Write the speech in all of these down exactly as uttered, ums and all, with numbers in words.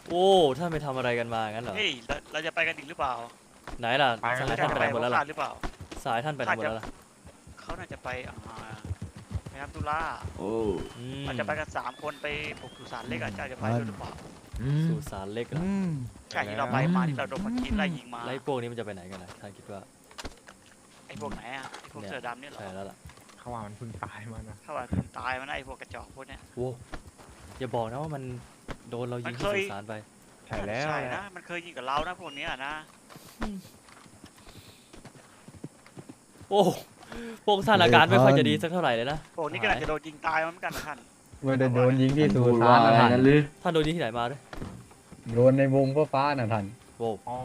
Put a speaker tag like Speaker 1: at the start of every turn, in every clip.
Speaker 1: โอ้ท่านไปทำอะไรกันมางั้นเหรอ
Speaker 2: เฮ้ยเราเราจะไปกันอีกหรือเปล่า
Speaker 1: ไหนล่ะสายท่านไปไหนหมดแล้วล่ะ
Speaker 2: หรือเปล่า
Speaker 1: สายท่านไปไหนหมดแล้วล่ะ
Speaker 2: เขาน่าจะไปอ่าไปทำธุระ
Speaker 3: โอ้
Speaker 1: อืม
Speaker 2: อาจจะไปกันสามคนไปปลุกสุสานเล็กอาจจะไปด้วยหรือเปล่า
Speaker 1: สุสานเล็กเหรอ
Speaker 2: ใช่ที่เราไปมาที่เราโดนมันกินไล่ยิงมา
Speaker 1: ไล่พวกนี้มันจะไปไหนกันนะท่านคิดว่า
Speaker 2: ไอ้พวกไหนอ่ะไอ้พวกเสือดำเนี่ยเหรอ
Speaker 1: ใช่แล้วล่ะ
Speaker 4: เขาว่ามันเพิ่งตายมานะ
Speaker 2: ถ้าว่าคนตายมันไอ้พวกกระจอกพวกเนี้ย
Speaker 1: โว้อย่าบอกนะว่ามันโดนเรายิงที่สุสานไป
Speaker 4: ใช่แล้ว
Speaker 2: ใช่นะมันเคยยิงกับเรานะพวกเนี้ยนะ
Speaker 1: โอ้พวกท่านอาการไม่ค่อยจะดีสักเท่าไหร่เลยนะ
Speaker 2: พวกนี้ก็อาจจะโดนยิงตายเหมือนกันท่าน
Speaker 5: ไม่ได้โดนยิงที่สุ
Speaker 3: พูด
Speaker 5: สา
Speaker 3: ว่าน
Speaker 5: นะ
Speaker 3: อะไร
Speaker 5: ท่าน
Speaker 3: นั่นหรือ
Speaker 1: ท่านโดนยิงที่ไหนมาด้วย
Speaker 5: โดนในวงฟ้าๆนะท่าน
Speaker 1: โว้
Speaker 4: อ๋อ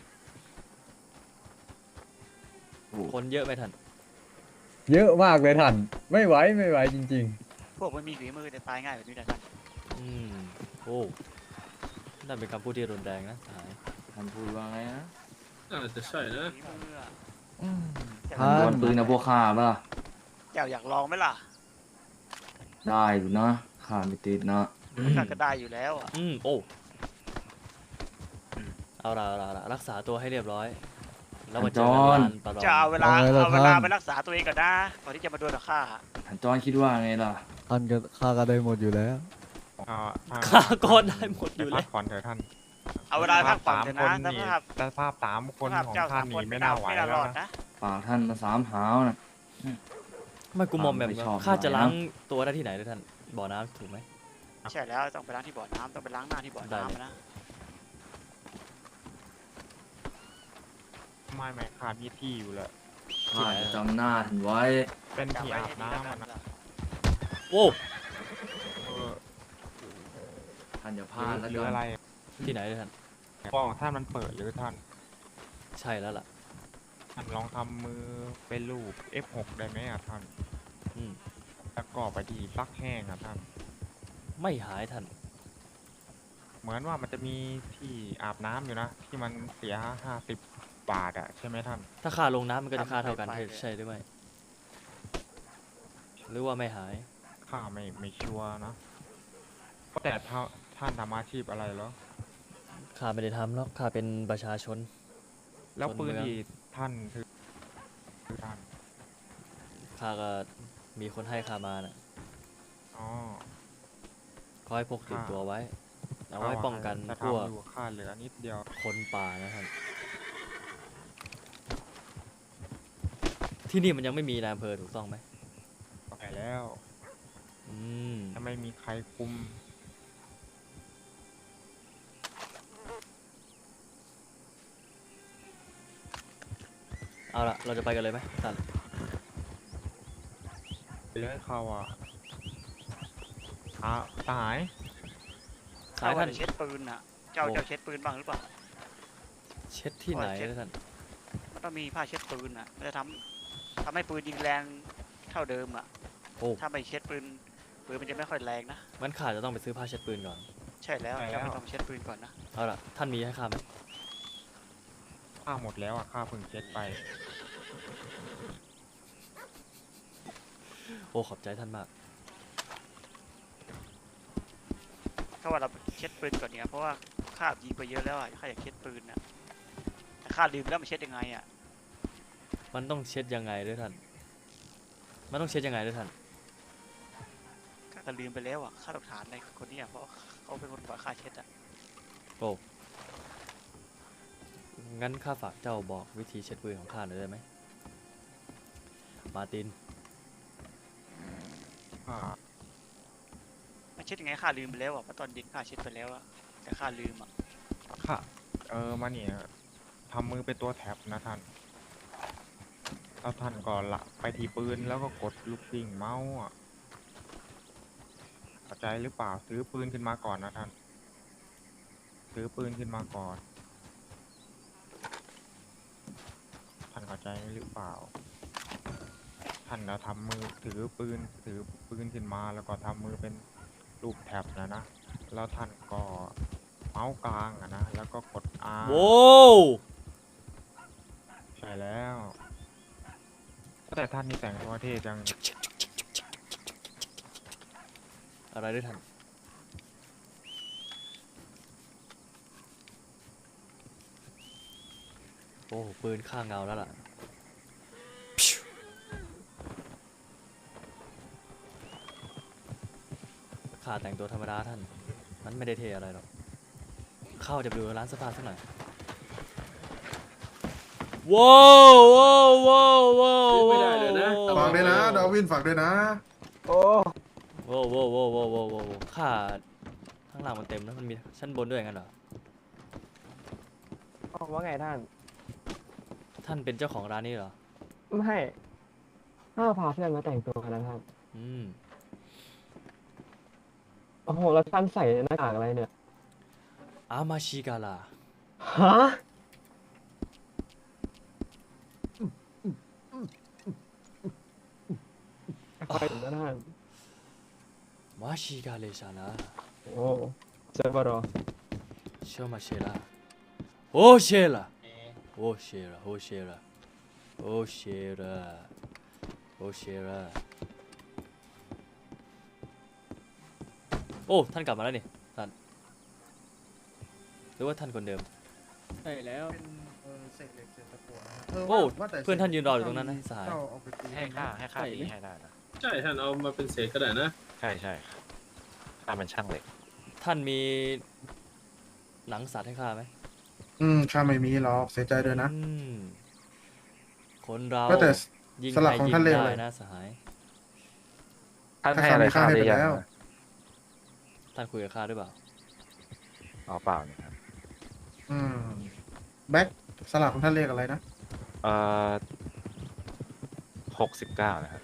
Speaker 1: คนเยอะไหมท่าน
Speaker 5: เยอะมากเลยท่านไม่ไหวไม่ไหวจริง
Speaker 2: พวกมันมีฝีมือแต่ตายง่ายแบบนี้นะท่าน
Speaker 1: อืมโอ้นั่นเป็นคำพูดที่รุนแรงนะสหาย
Speaker 3: ท่านพูดว่าไงนะ
Speaker 6: น่าจะใช่นะ
Speaker 2: ฝีมืออะ
Speaker 5: ๆ
Speaker 3: ท่านดวลปืนนะพวกข้าป่ะ
Speaker 2: เจ้าอยากลองไหมล่ะ
Speaker 3: ได้อยู่นะข้าไม่ติดนะ
Speaker 2: ข้าก็ได้อยู่แล้วอ่ะ
Speaker 1: อืมโอ้เอาละเอาละเอาละรักษาตัวให้เรียบร้อยแล้วมาเจอกันลานประลอง
Speaker 2: จะเอาเวลาเอาเวลาไปรักษาตัวเองก่อนนะก่อนที่จะมาดวลกับข้า
Speaker 3: ท่านจอนคิดว่าไงล่ะ
Speaker 5: ท่านก็ข้าก็ได้หมดอยู่แล้ว
Speaker 4: อ่าท่าน
Speaker 1: ข้าก็ได้หมดอยู่
Speaker 4: พั
Speaker 1: แล้
Speaker 4: ก
Speaker 1: ว
Speaker 4: ผ่อนเถอะท่าน
Speaker 2: เอาเวลาพักผ่อนเถอะนะ
Speaker 4: ส
Speaker 2: ส
Speaker 4: ภา
Speaker 2: ภา
Speaker 4: พ
Speaker 2: พ
Speaker 4: แต่ภาพสามคน
Speaker 2: สภาพ
Speaker 4: ของ
Speaker 2: เจ้า
Speaker 4: ท่า
Speaker 2: สาน ม
Speaker 4: นี่
Speaker 2: คน
Speaker 4: ไม่
Speaker 2: ไม่
Speaker 4: น่า
Speaker 2: น่า
Speaker 4: ไหว
Speaker 2: ไม่
Speaker 4: แล้
Speaker 2: น่ารอ
Speaker 4: ว
Speaker 2: ด
Speaker 4: นะ
Speaker 2: นะ
Speaker 3: ปากท่านน่ะสามหาวนะ
Speaker 1: ไม่กูมอมแบบ
Speaker 3: ไม่ชอบ
Speaker 1: ข้าจะ
Speaker 3: หน่อยนะ
Speaker 1: ล้างตัวได้ที่ไหนด้วยท่านบ่อน้ำถูกไหม
Speaker 2: ใช่แล้วต้องไปล้างที่บ่อน้ำต้องไปล้างหน้าที่บ่อ
Speaker 1: ได้เลย
Speaker 2: น้ำนะ
Speaker 4: ไม่ไม่ขาดมีที่อยู่เลย
Speaker 3: ข้าจะจำหน้าท่านไว้
Speaker 4: เป็น
Speaker 2: จำ
Speaker 4: ที่
Speaker 2: ไว้
Speaker 4: อา
Speaker 2: ให้
Speaker 4: บ
Speaker 2: ดีแล้ว
Speaker 4: น้ำ
Speaker 2: กั
Speaker 4: อะ
Speaker 2: น
Speaker 4: นะ
Speaker 1: โอ้
Speaker 4: เออ
Speaker 3: ท่านอย่าพ
Speaker 4: หรื
Speaker 3: ลาด
Speaker 4: อ
Speaker 3: แล้ว
Speaker 4: หรือ
Speaker 3: กั
Speaker 4: อะไร
Speaker 3: น
Speaker 1: ที่ไหนด้วยท่าน
Speaker 4: กล้องท่านมันเปิดหรือท่าน
Speaker 1: ใช่แล้วล่ะ
Speaker 4: ท่านลองทำมือเป็นรูป เอฟ หก ได้ไหมอ่ะท่าน
Speaker 1: อืม
Speaker 4: แล้วก็ไปที่ซักแห้งอ่ะท่าน
Speaker 1: ไม่หายท่าน
Speaker 4: เหมือนว่ามันจะมีที่อาบน้ำอยู่นะ ที่มันเสียห้าสิบบาทอ่ะใช่ไหมท่าน
Speaker 1: ถ้าค่าลงน้ำมันก็จะค่าเท่ากันใช่หรือไม่หรือว่าไม่หาย
Speaker 4: ข้าไม่ไม่ชัวร์นะแต่ถ้าท่านทำอาชีพอะไรเหรอ
Speaker 1: ข้าไม่ได้ทำหรอกข้าเป็นประชาชน
Speaker 4: แล้ว
Speaker 1: คน
Speaker 4: ปืน
Speaker 1: เมือง
Speaker 4: ที่ท่านถือคือท่าน
Speaker 1: ข้าก็มีคนให้ข้ามาน่ะ
Speaker 4: อ๋อ
Speaker 1: ขอให้พกติด
Speaker 4: ค่ะ
Speaker 1: ตัวไว้เอาไว้ป้องกัน
Speaker 4: จะ
Speaker 1: พวก
Speaker 4: ทำอยู่ค่าเหลือนิดเดียว
Speaker 1: คนป่านะครับที่นี่มันยังไม่มีนายอำเภอถูกต้องไหม
Speaker 4: ไปแล้ว
Speaker 1: อืม
Speaker 4: ถ้าไม่มีใครคุม
Speaker 1: เอาละเราจะไปกันเลยไหมท่าน
Speaker 4: ไปเลยเขาอ่ะอ่ะตาย
Speaker 1: สายท่าน
Speaker 2: เช็ดปืนอ่ะเจ้าเจ้าเช็ดปืนบ้างหรือเปล่า
Speaker 1: เช็ดที่ไหนนะท่าน
Speaker 2: มันต้องมีผ้าเช็ดปืนอ่ะมันจะทำทำให้ปืนยิงแรงเท่าเดิมอ่ะ
Speaker 1: โอ้
Speaker 2: ถ้าไม่เช็ดปืนปืนมันจะไม่ค่อยแรงนะ
Speaker 1: มันขาดจะต้องไปซื้อผ้าเช็ดปืนก่อน
Speaker 2: ใช่แล้วเจ้าไม่ต้องเช็ดปืนก่อนนะ
Speaker 1: เอาละท่านมีให้ข้าไหม
Speaker 4: ค่าหมดแล้วอ่ะค่าเพิ่งเช็ดไป
Speaker 1: โอ้ขอบใจท่านมาก
Speaker 2: ถ้าว่าเราเช็ดปืนก่อนเนี่ยเพราะว่าข้ายิงไปเยอะแล้วอ่ะข้าอยากเช็ดปืนอ่ะแต่ข้าลืมแล้วมันเช็ดยังไงอ่ะ
Speaker 1: มันต้องเช็ดยังไงด้วยท่านมันต้องเช็ดยังไงด้วยท่าน
Speaker 2: ข้าก็ลืมไปแล้วอ่ะข้าต้องถามในคนนี้อ่ะเพราะเขาเป็นคนบอกข้าเช็ดอ่ะ
Speaker 1: โอ้งั้นข้าฝากเจ้าบอกวิธีเช็ดปืนของข้าหน่อยได้ไหมมาร์ติน
Speaker 4: อ่า
Speaker 2: มันเช็ดยังไงข้าลืมไปแล้วอ่ะเพราะตอนเด็กข้าเช็ดไปแล้วอ่ะแต่ข้าลืมอ่ะ
Speaker 4: ค่ะ เออมาเนี่ยทำมือเป็นตัวแท็บนะท่านแล้วท่านก็ละไปที่ปืนแล้วก็กดลูกปิ่งเมาส์อ่ะเข้าใจหรือเปล่าซื้อปืนขึ้นมาก่อนนะท่านซื้อปืนขึ้นมาก่อนท่านเข้าใจหรือเปล่าท่านเราทำมือถือปืนถือปืนขึ้นมาแล้วก็ทำมือเป็นรูปแท็บนะนะแล้วท่านก็เมาส์กลางอะนะแล้วก็กด R
Speaker 1: โว้ว
Speaker 4: ใช่แล้วแต่ท่านนี่แต่งตัวเท่จัง
Speaker 1: อะไรด้วยท่านโอ้ปืนข้างเงาแล้วล่ะข้าแต่งตัวธรรมดาท่านมันไม่ได้เท่อะไรหรอกเข้าจะไปดูร้านเสื้อผ้าสักหน่อยว้าวว้าวว้าวว้าว
Speaker 6: ไม่ได้เลยนะ
Speaker 7: ฝากด้วยนะดาวินฝากด้วยนะ
Speaker 6: โอ้
Speaker 1: ว้าวว้าวว้าวว้าวว้าวว้าวข้าข้างล่างมันเต็มแล้วมันมีชั้นบนด้วยงั้นเหรอ
Speaker 6: ว่าไงท่าน
Speaker 1: ท่านเป็นเจ้าของร้านนี้เหรอ
Speaker 6: ไม่ถ้าพาเพื่อนมาแต่งตัวกันนะครับ
Speaker 1: อืม
Speaker 6: โอ้โห แล้วท่านใส่หน้ากากอะไรเนี่ย
Speaker 1: อามาชิกาลา
Speaker 6: ฮะไปถึงแล้วท่าน
Speaker 1: มาชิกาเลชานา
Speaker 6: โอ้เจอบารอ
Speaker 1: เชมาเชลาโอเชลาโอเชลาโอเชลาโอเชลาโอเชลาโอ้ท่านกลับมาแล้วนี่ท่านหรือว่าท่านคนเดิม
Speaker 8: ใช่แล้ว
Speaker 7: เป็นเออเศษเหล็กเศษตะกั่วนะ
Speaker 1: โอ้
Speaker 7: ว่าแต่
Speaker 1: เพื่อนท่านยืนรออยู่ตรงนั้นนะสหาย
Speaker 7: เจ้เอาไปตี
Speaker 9: ให้ค่าให้ค่า
Speaker 8: ใช่
Speaker 9: ดี
Speaker 8: ไหม
Speaker 9: ให้ได้นะ
Speaker 10: ใช่ท่านเอามาเป็นเศษก็ได้นะ
Speaker 9: ใช่ใช่ค่าเป็นช่างเหล็ก
Speaker 1: ท่านมีหนังสัตว์ให้ข้าไหม
Speaker 7: อืมข้าไม่มีหรอกเสียใจด้วยนะ
Speaker 1: อืมคนเรา
Speaker 7: ว่าแต่
Speaker 1: ยิง
Speaker 7: สลั
Speaker 1: ใค
Speaker 7: ก
Speaker 1: ร
Speaker 7: ของ
Speaker 1: ยิง
Speaker 7: ท่านเรียก
Speaker 1: ได้
Speaker 7: อะไร
Speaker 1: นะสหาย
Speaker 9: ท่าน
Speaker 7: ถ้า
Speaker 9: ให้อะไร
Speaker 7: ข้า
Speaker 9: ค่า
Speaker 7: ไม่
Speaker 9: ได้
Speaker 7: ให้
Speaker 9: ยัง
Speaker 7: ไปแล้ว
Speaker 9: นะ
Speaker 1: ท่านคุยกับข้าด้วยเปล่า
Speaker 9: อ๋อเปล่านี่ครับ
Speaker 7: อืมแบ็คสลักของท่านเรียกอะไรนะ
Speaker 9: เอ่อหกสิบเก้านะครับ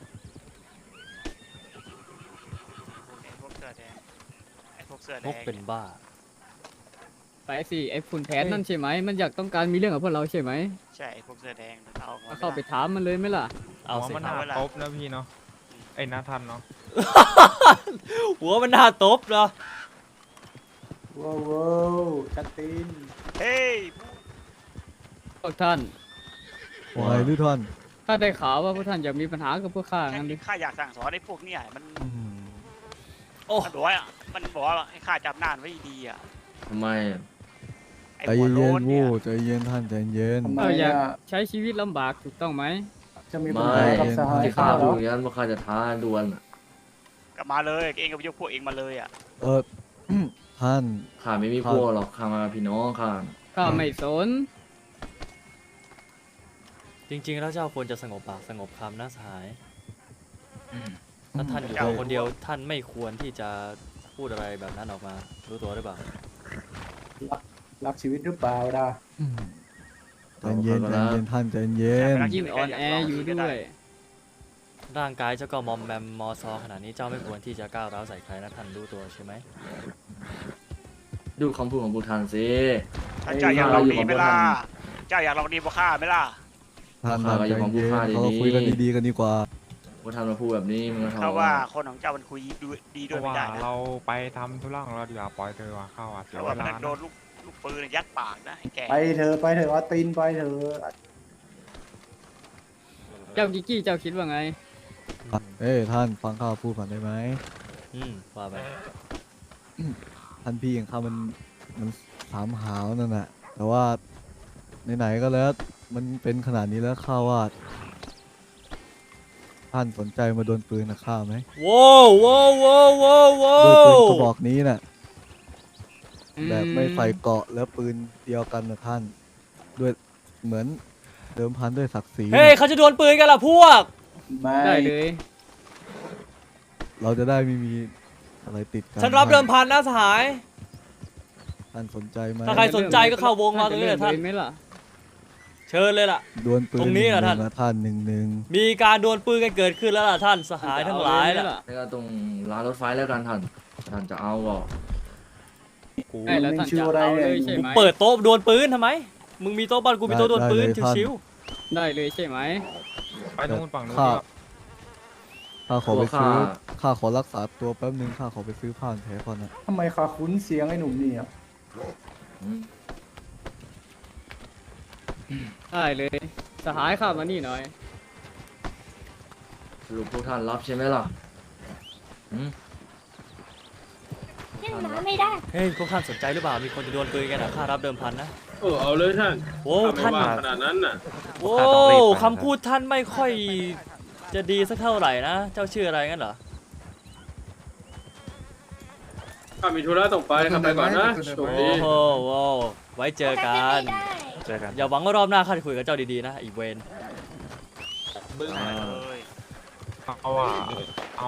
Speaker 2: ไอ้พวกเสื้อแดงไอ้พวกเสื้อแด
Speaker 1: พก
Speaker 2: ง
Speaker 1: เป็นบ้า
Speaker 8: ไปสิไอ้ฝุ่นแผนนั่นใช่ไหมมันอยากต้องการมีเรื่องกับพวกเราใช่ไหม
Speaker 2: ใช่ไอ้พวกเสื้อแดงเอาออกมา
Speaker 8: ก็เข้าไปถามมันเลยไหมล่ะ
Speaker 1: เอา
Speaker 4: หัว
Speaker 1: สิ
Speaker 4: มัน
Speaker 1: ค
Speaker 4: ห
Speaker 1: รับ
Speaker 4: นาตบนะพี่เนาะไอ้นาทันเนาะ
Speaker 1: หัวมันน่าตบเหรอ
Speaker 6: ว้าวว้าวกัตติน
Speaker 2: เฮ้ย
Speaker 8: พวกท่าน
Speaker 5: วายหรือท่าน
Speaker 8: ข้าได้ข่าวว่าพวกท่านอยากมีปัญหากับพวกข้างั้นดิ
Speaker 2: ข้าอยากสั่งสอนไอ้พวกเนี่ยมัน
Speaker 1: โอ้
Speaker 2: มันบอกว่ามันบอกว่าให้ข้าจำหน้าไว้ดีอ่ะ
Speaker 3: ทำไมอะ
Speaker 2: ไอ้
Speaker 5: ใจ
Speaker 2: หัว
Speaker 5: เย็
Speaker 2: โล้
Speaker 5: น
Speaker 2: น
Speaker 5: ๆ
Speaker 2: เนี่
Speaker 5: วู
Speaker 2: ย
Speaker 5: ใจเย็นท่านใจเย็น
Speaker 8: เราอยากใช้ชีวิตลำบากถูกต้องไหม
Speaker 6: จะมี
Speaker 3: ไม่
Speaker 6: ปัญหากับสหาย
Speaker 3: ที่
Speaker 6: ข้า
Speaker 3: ข้า
Speaker 6: เหร
Speaker 3: พู
Speaker 6: อ
Speaker 3: ดอย่างนั้นว่าข้าจะท้าดวลอะ
Speaker 2: กลับมาเลยเองกับยกพวกเองมาเลยอ่ะ
Speaker 5: เออ ท่าน
Speaker 3: ข้าไม่มีพวกหรอกข้ามากับพี่น้องข้า
Speaker 8: ข้าไม่สน
Speaker 1: จริงๆ แล้วเจ้าควรจะสงบปากสงบคำนะสหาย ถ้าท่านอยู่ตัวคนเดียวท่านไม่ควรที่จะพูดอะไรแบบนั้นออกมา รู้ตัวหรือเปล่า
Speaker 6: รักชีวิตหรือเปล่าดา
Speaker 5: ใจเย็นใจเย็นท่านใจเย็น
Speaker 8: ยิ่งอ่อนแออยู่ด้วย
Speaker 1: ร่างกายเจ้าก็มอมแมมมอซอขนาดนี้เจ้าไม่ควรที่จะก้าวร้าวใส่ใครนะท่านรู้ตัวใช่ไหม
Speaker 3: ดูคำพูดของบูทานสิ
Speaker 2: ถ้าเจ้าอยากลองดีไหมล่ะเจ้าอยากลองดีบ่ข้าไหมล่ะ
Speaker 5: ท่านท่านใจเย็นเขาคุยกันดีๆกันดีกว่า
Speaker 3: บูทานมาพูดแบบนี้มึงก็ทำ
Speaker 2: เขาว่าคนของเจ้ามันคุยดูดี
Speaker 4: เพ
Speaker 2: ด้วย
Speaker 4: ราะ
Speaker 2: ไม่
Speaker 4: ว่า
Speaker 2: ได้นะ
Speaker 4: เราไปทำธุระของเราดีกว่าปล่อยเธอว่าเข้าอ่ะเสีย
Speaker 2: เขา
Speaker 4: เว
Speaker 2: ว่ามัน
Speaker 4: ลา
Speaker 2: โด
Speaker 4: นะ
Speaker 2: นลูกลูกปืนยัดปากนะไอ้แก
Speaker 6: ไปเถอะไปเถอะว่าตีนไปเถอะ
Speaker 8: เจ้ากิกกี้เจ้าคิดว่าไง
Speaker 5: เอ้ยท่านฟังข้าพูดก่อนได้ไหม
Speaker 1: อืมว่าไป
Speaker 5: ท่านพี่อย่างข้ามันมันสามหาวนั่นแหละแต่ว่าไหนๆก็แล้วมันเป็นขนาดนี้แล้วข้าว่าท่านสนใจมาโดนปืนนะข้าไหม
Speaker 1: ว้าวว้าวว้าวว้าวว้า
Speaker 5: ด้วยปืน
Speaker 1: ว
Speaker 5: กระบอกนี้น่ะ
Speaker 8: อืม
Speaker 5: แบบไม่ใส่เกราะแล้วปืนเดียวกันนะท่าน ด้วยเหมือนเดิมพันด้วยศักดิ์ศรี
Speaker 1: เฮ้ยเขาจะดวลปืนกันล่ะพวก
Speaker 6: ไม่
Speaker 8: ได้เลย
Speaker 5: เราจะได้ไม่มีอะไรติดกัน
Speaker 1: ฉันรับเดิมพันนะสหาย
Speaker 5: ท่านสนใจไหม
Speaker 1: ถ้าใครสนใจก็เข้าวงมาตรงนี้เลยท่าน
Speaker 8: จะเริ่มไหมล่ะ
Speaker 1: เชิญเลยล่ะ
Speaker 5: ดวลปืน
Speaker 1: ตรงนี้เหรอท่าน
Speaker 5: งๆท่านหนึ่งหนึ่ง
Speaker 1: มีการดวลปืนกันเกิดขึ้นแล้วล่ะท่านสหายทั้งหลาย
Speaker 8: จะเอ
Speaker 1: ล่ะ
Speaker 8: ไหม
Speaker 3: แล้วก็ตรงร้านรถไฟแล้วกันท่านท่านจะเอาก็
Speaker 1: กู
Speaker 8: ได้แล้วท่านจะเอาเลยใช่ไหม
Speaker 1: เปิดโต๊ะดวลปืนทำไม มึงมีโต๊ะบ้านกูมีโต๊ะดวลปืนชิว
Speaker 8: ได้เลยใช่ไหม
Speaker 4: ไปตรงนู้นฝั่งนู้น
Speaker 5: ข้า
Speaker 4: ดีกว่า
Speaker 5: ข้าขอไปซื้อข้าขอรักษาตัวแป๊บนึงข้าขอไปซื้อผ้าพันแผลก่อนนะ
Speaker 6: ทำไมขาคุ้นเสียงไอ้หนุ่มนี่อ่ะ
Speaker 3: อืม
Speaker 8: ได้เลย สหายข้ามานี่หน่อย
Speaker 3: สรุปพวกท่านรับใช่ไหมล่ะอืม
Speaker 1: ๆ
Speaker 11: นะไม่ได้
Speaker 1: เฮ้ยพวกท่านสนใจหรือเปล่ามีคนจะดวลปืนกันนะค่ารับเดิมพันนะ
Speaker 10: เออเอาเลยท่าน
Speaker 1: โอ้
Speaker 10: ถ้าไม่
Speaker 1: ท่าน
Speaker 10: ว่าขนาดนั้นน่ะ
Speaker 1: โอ้คำพูดท่านไม่ค่อยจะดีสักเท่าไหร่นะ เจ้าชื่ออะไรงั้นเหรอ
Speaker 10: ข้ามีธุระต้องไปข้าไปก่อนนะโชคดี
Speaker 1: โอ้โหโว้ไว้เจอกัน
Speaker 11: ไม่ได้
Speaker 9: เจอกัน
Speaker 1: อย่าหวังว่ารอบหน้าข้าจะคุยกับเจ้าดีๆนะอีเวน
Speaker 2: บึ้งมาเลย
Speaker 4: เอาอ่ะเอา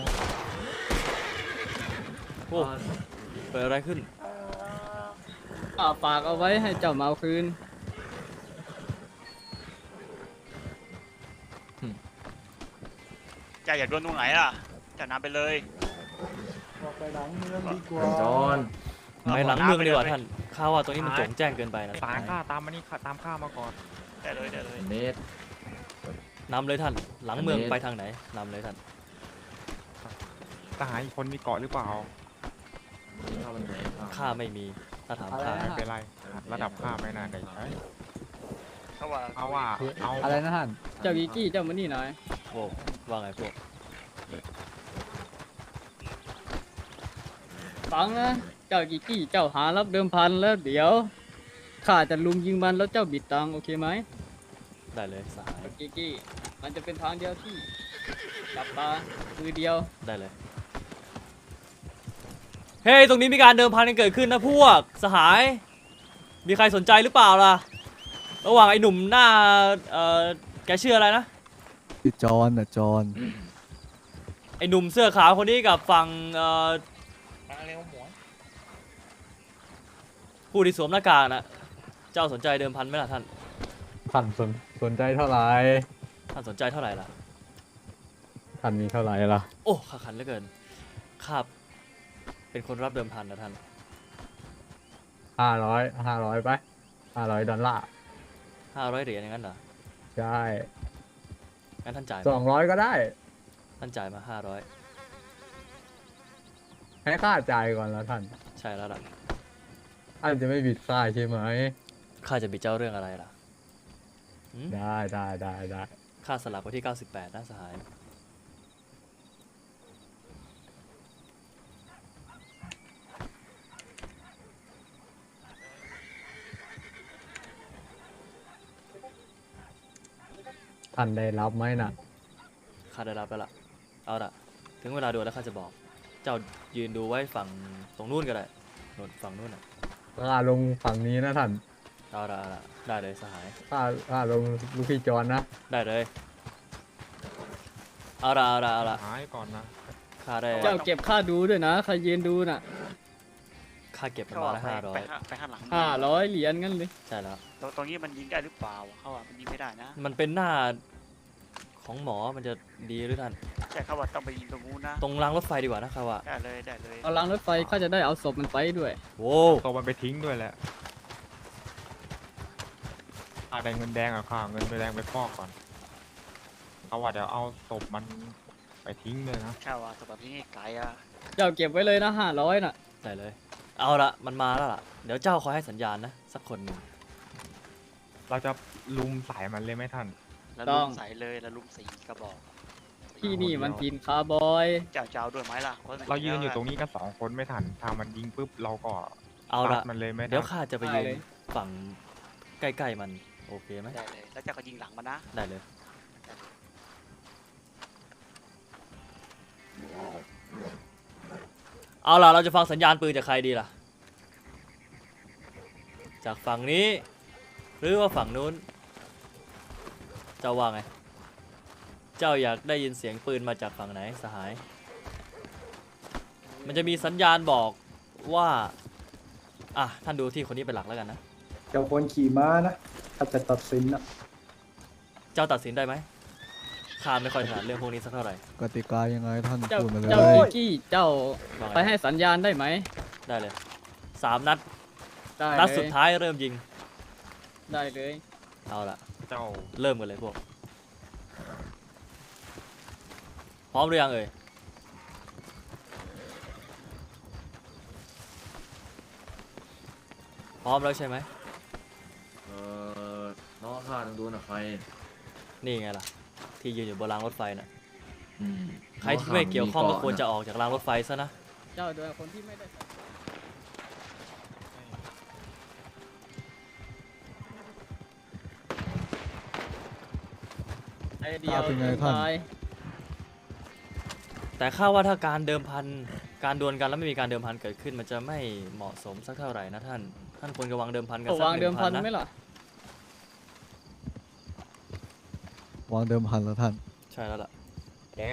Speaker 1: โอ้เกิดอะไรขึ้น
Speaker 8: อ่าฝากเอาไว้ให้เจ้ามาเอาคืน
Speaker 2: เจ้าอยากโดนตรงไหนล่ะเจ้านำไปเลย
Speaker 6: ออกไปหลังเมืองดีกว่า
Speaker 3: จอน
Speaker 1: ไปหลังเมืองดีกว่าท่านข้าว่าตรงนี้มันโจ่งแจ้งเกินไปนะ
Speaker 4: สายข้าตามมานี่ข้าตามข้ามาก่อน
Speaker 2: ได้เลยได้เลย
Speaker 3: เนต
Speaker 1: นำเลยท่าน หลังเมือง
Speaker 3: อันนี้
Speaker 1: ไปทางไหนนำเลยท่าน
Speaker 4: ทหารอีกคนมีเกาะหรือเปล่า
Speaker 3: เข้าวันไหนอ่ะ
Speaker 1: ข้าไม่มีถ้าถามข้า
Speaker 4: ไม่เป็นไรระดับข้าไม่น่าได้ใช้
Speaker 2: เขาว่า
Speaker 4: เอาว่าเอา
Speaker 8: อะไรนะท่าน เจ้าวิกกี้เจ้ามานี่หน่อย
Speaker 1: โอ้ว่าไงพวก
Speaker 8: ฟังนะ เจ้ากิกกี้เจ้าหารับเดิมพันแล้วเดี๋ยวข้าจะลุมยิงมันแล้วเจ้าบิดตังค์โอเคไหม
Speaker 1: ได้เลยสหาย
Speaker 8: กิกกี้มันจะเป็นทางเดียวที่จับตามือเดียว
Speaker 1: ได้เลย เฮ้ย ตรงนี้มีการเดิมพันกันเกิดขึ้นนะพวก สหาย มีใครสนใจหรือเปล่าล่ะ ระหว่างไอ้หนุ่มหน้า เอ่อ แกชื่ออะไรนะ
Speaker 5: ชื่อจอนอ่ะจอน
Speaker 1: ไอ้หนุ่มเสื้อขาวคนนี้กับฝั่ง เอ่อ ผู้ที่สวมหน้ากากนะเจ้าสนใจเดิมพันไหมล่ะท่าน
Speaker 5: ท่านสนสนใจเท่าไหร่
Speaker 1: ท่านสนใจเท่าไหร่ล่ะ
Speaker 5: ท่านมีเท่าไหร่ล่ะ
Speaker 1: โอ้ขาขันเหลือเกินข้าเป็นคนรับเดิมพันนะท่าน
Speaker 5: ห้าร้อยห้าร้อยไปห้าร้อยดอลลาร์
Speaker 1: ห้าร้อยเหรียญอย่างนั้นเหรอ
Speaker 5: ใช่
Speaker 1: งั้นท่านจ่าย
Speaker 5: สองร้อยก็ได้
Speaker 1: ท่านจ่ายมาห้าร้อย
Speaker 5: ให้ค่าจ่ายก่อนแล้วท่าน
Speaker 1: ใช่แล้วล่ะ
Speaker 5: ท่านจะไม่บิดค่าใช่ไหม
Speaker 1: ข้าจะบิดเจ้าเรื่องอะไรล่ะหืม
Speaker 5: ได้ได้ได้ได้
Speaker 1: ค่าสลักไว้ที่เก้าสิบแปดนะสหาย
Speaker 5: ท่านได้รับไหมน่ะ
Speaker 1: ข้าได้รับแล้วล่ะ เอาล่ะ ถึงเวลาดูแล้วข้าจะบอก เจ้ายืนดูไว้ฝั่งตรงนู้นก็ได้นู่นฝั่งนู้นน่ะ
Speaker 5: ค่าลงฝั่งนี้นะท่าน
Speaker 1: เอาละเอาละได้เลยสหาย
Speaker 5: ค่าค่าลงลูกพี่จอนนะ
Speaker 1: ได้เลย เอาละเอาละเอาละ
Speaker 4: หายก่อนนะ
Speaker 1: ข้าได้
Speaker 8: เจ้าเก็บค่าดูด้วยนะใครยืนดูน่ะ
Speaker 1: ข้าเก็บมัน
Speaker 2: เขา
Speaker 1: มา
Speaker 2: ว่า
Speaker 1: ละ
Speaker 2: ไป
Speaker 1: ห้าร้อ
Speaker 2: ไป
Speaker 1: ย
Speaker 2: ข้างไปข้างหลัง
Speaker 8: ห้าร้อยเหรียญงั้นเลย
Speaker 1: ใช่แล้ว
Speaker 2: ตรงตรงนี้มันยิงได้หรือเปล่าเขาว่ามันยิงไม่ได้นะ
Speaker 1: มันเป็นหน้าของหมอมันจะดีหรือท่าน
Speaker 2: ใช่เขาว่าต้องไปยิงตรงนู้นนะ
Speaker 1: ตรงรางรถไฟดีกว่านะครับว่า
Speaker 2: ได้เลยได้เลย
Speaker 8: เอารางรถไฟข้าจะได้เอาศพมันไปด้วย
Speaker 1: โว้
Speaker 4: ตัวมันไปทิ้งด้วยแหละข้าได้เงินแดงอะข้าเอาเงินแดงไปฟอกก่อนเอาว่าเดี๋ยวเอาศพมันไปทิ้งเลยนะ
Speaker 2: ข้าว่าสำหรับที่นี่ไกลอ่ะ
Speaker 8: เจ้าเก็บไว้เลยนะห้าร้อยน่ะ
Speaker 1: ได้เลย เอาละมันมาแล้วล่ะ เดี๋ยวเจ้าคอยให้สัญญาณนะ สักคนหนึ่ง
Speaker 4: เราจะลุมสายมันเลยไหมท่าน
Speaker 2: แล้ว
Speaker 8: ต้
Speaker 2: ลุ
Speaker 8: อง
Speaker 2: มใส่เลยแล้วลุมสี่กระบอก
Speaker 8: ที่นี่มันทินคาร์บอย
Speaker 2: เจ้าเจ้าด้วยไหมล่ะพะมั
Speaker 4: เรายืนอยู่ตรงนี้กันสองคนไม่ทันถ้ามันยิงปุ๊บเราก็
Speaker 1: เอาละ
Speaker 4: ซัดมันเลยไหม
Speaker 1: เดี๋ยว
Speaker 4: ท่าน
Speaker 1: ข้าจะไปยืนฝั่งใกล้ๆมัน โอเคไหม
Speaker 2: ได้เลยแล้วเจ้าก็ยิงหลังมันนะ
Speaker 1: ได้เลย เอาล่ะ เราจะฟังสัญญาณปืนจากใครดีล่ะ จากฝั่งนี้ หรือว่าฝั่งนู้น เจ้าว่าไง เจ้าอยากได้ยินเสียงปืนมาจากฝั่งไหนสหาย มันจะมีสัญญาณบอกว่า อ่ะ ท่านดูที่คนนี้เป็นหลักแล้วกันนะ
Speaker 6: เจ้าคนขี่ม้านะ ถ้าจะตัดสินนะ
Speaker 1: เจ้าตัดสินได้ไหมข้าไม่ค่อยถนัดเรื่องพวกนี้สักเท่าไหร่
Speaker 5: กติกายังไงท่าน
Speaker 8: เจ้า
Speaker 5: พูดมาเลย
Speaker 8: เจ้ากิกกี้เจ้า
Speaker 1: ว่าไง
Speaker 8: ไปให้สัญญาณได้ไหม
Speaker 1: ได้เลย สามนัด
Speaker 8: ได้
Speaker 1: นัด
Speaker 8: เล
Speaker 1: สุด
Speaker 8: ย
Speaker 1: ท้ายเริ่มยิง
Speaker 8: ได้เลย
Speaker 1: เอาละ
Speaker 4: เจ้า
Speaker 1: เริ่มกันเลยพวก พร้อมหรือยังเอ่ย พร้อมแล้วใช่ไหม
Speaker 3: เออน้องข้าต้องดูนะใคร
Speaker 1: นี่ไงล่ะ ที่ยืนอยู่บนรางรถไฟน่ะ
Speaker 3: อืม
Speaker 1: ใครที่ไม่เกี่ยวข้องก็ควรจะออกจากรางรถไฟซะนะ
Speaker 8: เจ้าโดยคนที่ไม่ได้ไอเดียว
Speaker 5: เป็นไงท่าน
Speaker 8: ตาย
Speaker 1: แต่ข้าว่าถ้าการเดิมพันการดวลกันแล้วไม่มีการเดิมพันเกิดขึ้นมันจะไม่เหมาะสมสักเท่าไหร่นะท่านท่านควรจะวางเดิมพันกัน
Speaker 8: เอา
Speaker 1: สัก
Speaker 8: วาง
Speaker 1: ห
Speaker 8: เดิ
Speaker 1: นึ่
Speaker 8: ม
Speaker 1: ง
Speaker 8: พั
Speaker 1: พั
Speaker 8: น
Speaker 1: น
Speaker 8: ไหม
Speaker 1: นะ
Speaker 8: ล่ะ
Speaker 5: วางเดิมพันแล้วท่าน
Speaker 1: ใช่แล้วล่ะ
Speaker 4: แล้ว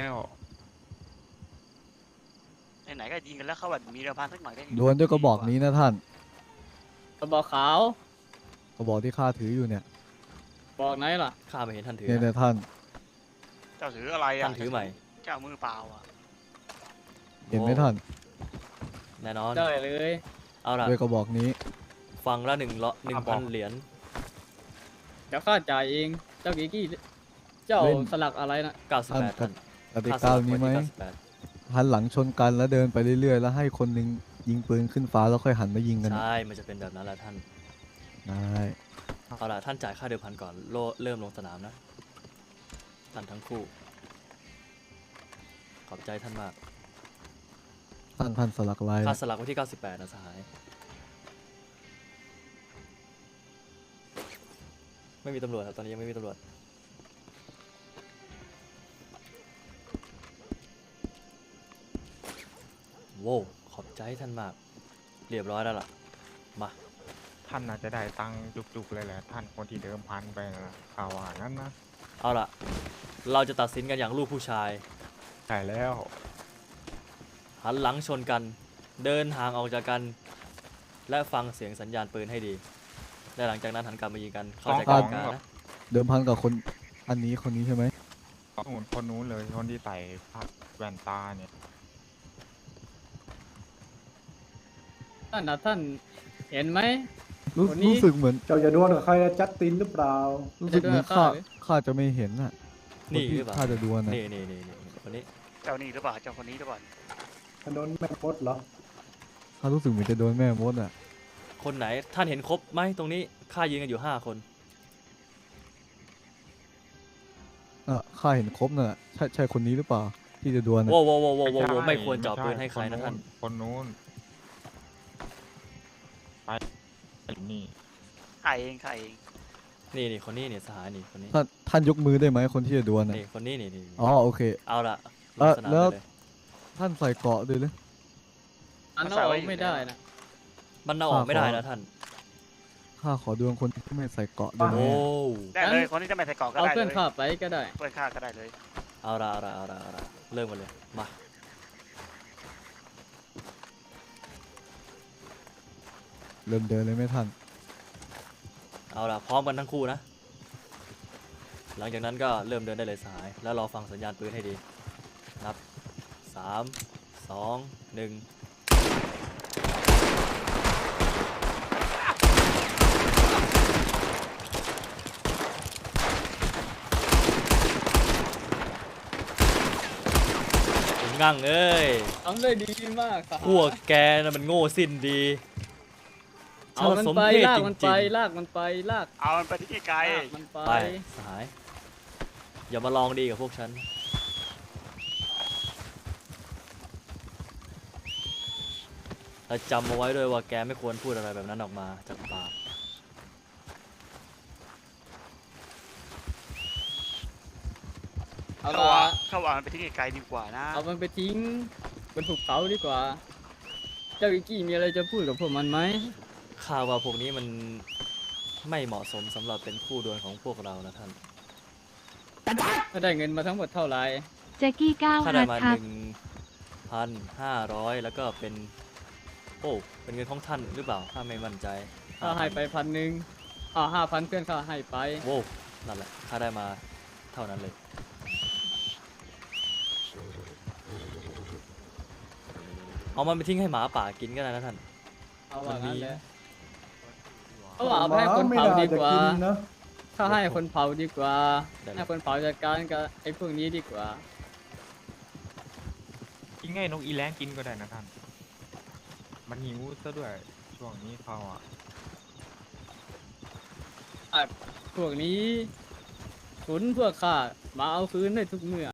Speaker 2: ไหนๆก็ยิงกันแล้วเขาแบบมีเรือพันสักหน่อยก็
Speaker 5: ดวลด้วยกระบอกนี้นะท่าน
Speaker 8: กระบอกขาว
Speaker 5: กระบอกที่ข้าถืออยู่เนี่ย
Speaker 8: บอกไหนล่ะ
Speaker 1: ข้าไม่เห็นท่านถือ
Speaker 5: เนี่ย
Speaker 1: นะ
Speaker 5: เนี่ยท่าน
Speaker 2: เจ้าถืออะไรอ่ะ
Speaker 1: ท่านถือใหม่
Speaker 2: เจ้ามือเปล่าอ่ะ
Speaker 5: เห็นไหมท่าน
Speaker 1: แน่นอน
Speaker 8: ได้เลย
Speaker 1: เอาล่ะ
Speaker 5: ด้วยกระบอกนี้
Speaker 1: ฟังละหนึ่งละหนึ่งพันเหรียญ
Speaker 8: เดี๋ยวข้าจ่ายเอง เจ้ากิกกี้ เจ้า
Speaker 5: เล่น
Speaker 8: สลักอะไรนะ
Speaker 1: เก้าสิบแปด
Speaker 5: ท่า
Speaker 1: ท่าน น
Speaker 5: กติ
Speaker 1: ค่าส
Speaker 5: กา
Speaker 1: ลับ
Speaker 5: นี้ไหม
Speaker 1: ไว้ที่เก้าสิบแปด
Speaker 5: หันหลังชนกันแล้วเดินไปเรื่อยๆ แล้วให้คนหนึงยิงปืนขึ้นฟ้าแล้วค่อยหันมายิงกัน
Speaker 1: ใช่ มันจะเป็นแบบนั้นแหละท่าน
Speaker 5: ได้
Speaker 1: เอาล่ะท่านจ่ายค่าเดิมพันก่อนโลเริ่มลงสนามนะท่านทั้งคู่ ขอบใจท่านมาก
Speaker 5: ท่านท่านสลักลาย
Speaker 1: ค่าสลักไว้ที่เก้าสิบแปดนะสหาย ไม่มีตำรวจครับตอนนี้ยังไม่มีตำรวจ โว้วขอบใจท่านมาก เรียบร้อยแล้วล่ะ มา
Speaker 4: ท่านน่าจะได้ตังค์จุกๆเลยแหละท่านคนที่เดิมพันไปนะข่าวว่างั้นนะ
Speaker 1: เอาล่ะ เราจะตัดสินกันอย่างลูกผู้ชาย
Speaker 4: ใช่แล้ว
Speaker 1: หันหลังชนกัน เดินห่างออกจากกัน และฟังเสียงสัญญาณปืนให้ดี และหลังจากนั้นหันกลับมายิงกัน เข้าใจกันการนะ
Speaker 5: เดิมพันกับคนอันนี้คนนี้ใช่ไหม
Speaker 4: นู่นคนนู้นเลยคนที่ใส่ผ้าแว่นตาเนี่ย
Speaker 8: ท่านนะท่านเห็นไหม
Speaker 5: รู้
Speaker 8: คนนี้
Speaker 5: รู้สึกเหมือน
Speaker 6: เจ้าจะดวลกับใครนะจัดตินหรือเปล่า
Speaker 5: รู้สึกเหมือน
Speaker 8: จะด้วย
Speaker 5: ข้า
Speaker 8: หรือ
Speaker 5: ข้าจะไม่เห็นน่ะ
Speaker 1: นี่
Speaker 5: คที่
Speaker 1: หรือเปล่า
Speaker 5: ข้าจะดวลน่ะ
Speaker 1: นี่นี่นี่นี่คนนี้
Speaker 2: เจ้านี่หรือเปล่าเจ้าคนนี้หรือเปล่า
Speaker 6: ถนนแม่มดเหรอ
Speaker 5: ข้ารู้สึกเหมือนจะโดนแม่มดอ่ะ
Speaker 1: คนไหนท่านเห็นครบไหมตรงนี้ข้ายืนกันอยู่ห้าคน
Speaker 5: อ่ะข้าเห็นครบน่ะใช่ใช่คนนี้หรือเปล่า ที่จะดวลน่ะ
Speaker 1: โว้วโว้วโว้วโว้วโว้ว
Speaker 4: ใช่
Speaker 1: ไม่ควรเจาะ
Speaker 4: ช่
Speaker 1: ปืนให้ใครนะท่าน
Speaker 4: คนนู้นไปไอ้นี่
Speaker 2: ใครเองใครเอง
Speaker 1: นี่นี่คนนี้นี่สหายนี่คนนี้
Speaker 5: ท่านท่านยกมือได้ไหมคนที่จะดวลน่ะ
Speaker 1: นี่คนนี้นี่นี่
Speaker 5: อ๋อโอเค
Speaker 1: เอาล่ะล
Speaker 5: เอ่
Speaker 1: ง
Speaker 5: อ
Speaker 1: สนาม
Speaker 5: แล้ว
Speaker 1: ได้เลย
Speaker 5: ท่านใส่เกราะด้วยหรือ
Speaker 8: อันนั้นเอาไม่ได้นะ
Speaker 1: มันเอาออกไม่ได้นะท่าน
Speaker 5: ข้าขอดวลคนที่ไม่ใส่เกราะด้วย
Speaker 1: โอ้
Speaker 5: นะ
Speaker 2: ได้เลยคนที่จะไม่ใส่กรอกก็
Speaker 8: เอา
Speaker 2: ได้
Speaker 8: เพื่อน
Speaker 2: เลย
Speaker 8: ข้าไปก็ได้
Speaker 2: เพื่อนข้าก็ได้เลย
Speaker 1: เอาละเอาละเอาละเอาละเริ่มกันเลยมา
Speaker 5: เริ่มเดินเลยไหมท่าน
Speaker 1: เอาละพร้อมกันทั้งคู่นะ หลังจากนั้นก็เริ่มเดินได้เลยสหาย แล้วรอฟังสัญญาณปืนให้ดี นับสามสองหนึ่งงั่งเอ้ย
Speaker 8: ทำได้ดีมากสหาย
Speaker 1: พวกแกน่ะมันโง่สิ้นดี
Speaker 8: เอามัน
Speaker 1: สม
Speaker 8: ไป
Speaker 1: เพศ
Speaker 8: ลาก
Speaker 1: จ
Speaker 8: มัน
Speaker 1: ริ
Speaker 8: ไป
Speaker 1: ง
Speaker 8: ลากมันไปลาก
Speaker 2: เอามันไปที่ไกล
Speaker 8: ลากมันไป
Speaker 1: ๆไปสหาย อย่ามาลองดีกับพวกฉัน และจำเอาไว้ด้วยว่าแกไม่ควรพูดอะไรแบบนั้นออกมาจากปาก
Speaker 8: เอา
Speaker 2: เขา
Speaker 8: ละ
Speaker 2: ว่าเขาว่ามันไปที่ไกลๆดีกว่านะ
Speaker 8: เอามันไปทิ้งบนภูเขาดีกว่า เจ้ากิกกี้มีอะไรจะพูดกับพวกมันไหม
Speaker 1: ข่าวว่าพวกนี้มันไม่เหมาะสมสำหรับเป็นคู่ดวลของพวกเรานะท่าน
Speaker 8: ถ้าได้เงินมาทั้งหมดเท่าไหร่
Speaker 11: แจ็กกี้ก้าว
Speaker 1: ค่า
Speaker 11: ฮั
Speaker 1: ได้
Speaker 11: ท
Speaker 1: มา
Speaker 11: ครั
Speaker 1: ห
Speaker 11: บ
Speaker 1: นึ่งพันห้าร้อยแล้วก็เป็น โอ้ เป็นเงินของท่านหรือเปล่าข้าไม่มั่นใจ
Speaker 8: ข้าให้ไปพันหนึ่งอ่าห้าพันเพื่อนข้าให้ไป
Speaker 1: โว้วนั่นแหละข้าได้มาเท่านั้นเลย เอามันไปทิ้งให้หมาป่ากินก็ได้นะท่าน
Speaker 8: เอาว่า
Speaker 1: มันมี
Speaker 8: งั้นแหละเอาว่าเอาไปให้คนเผาดีกว่า
Speaker 6: ไม่น่จะนนะ
Speaker 8: ถ้าให้คนเผาดีกว่า
Speaker 1: ได้เลย
Speaker 8: ให้คนเผาจัดการกับไอ้พวกนี้ดีกว่า
Speaker 4: กินง่ายนกอีแรงกินก็ได้นะท่าน มันหิวซะด้วย ช่วงนี้เขาอ่ะ
Speaker 8: พวกนี้ขุนพวกข้ามาเอาคืนได้ทุกเมื่อ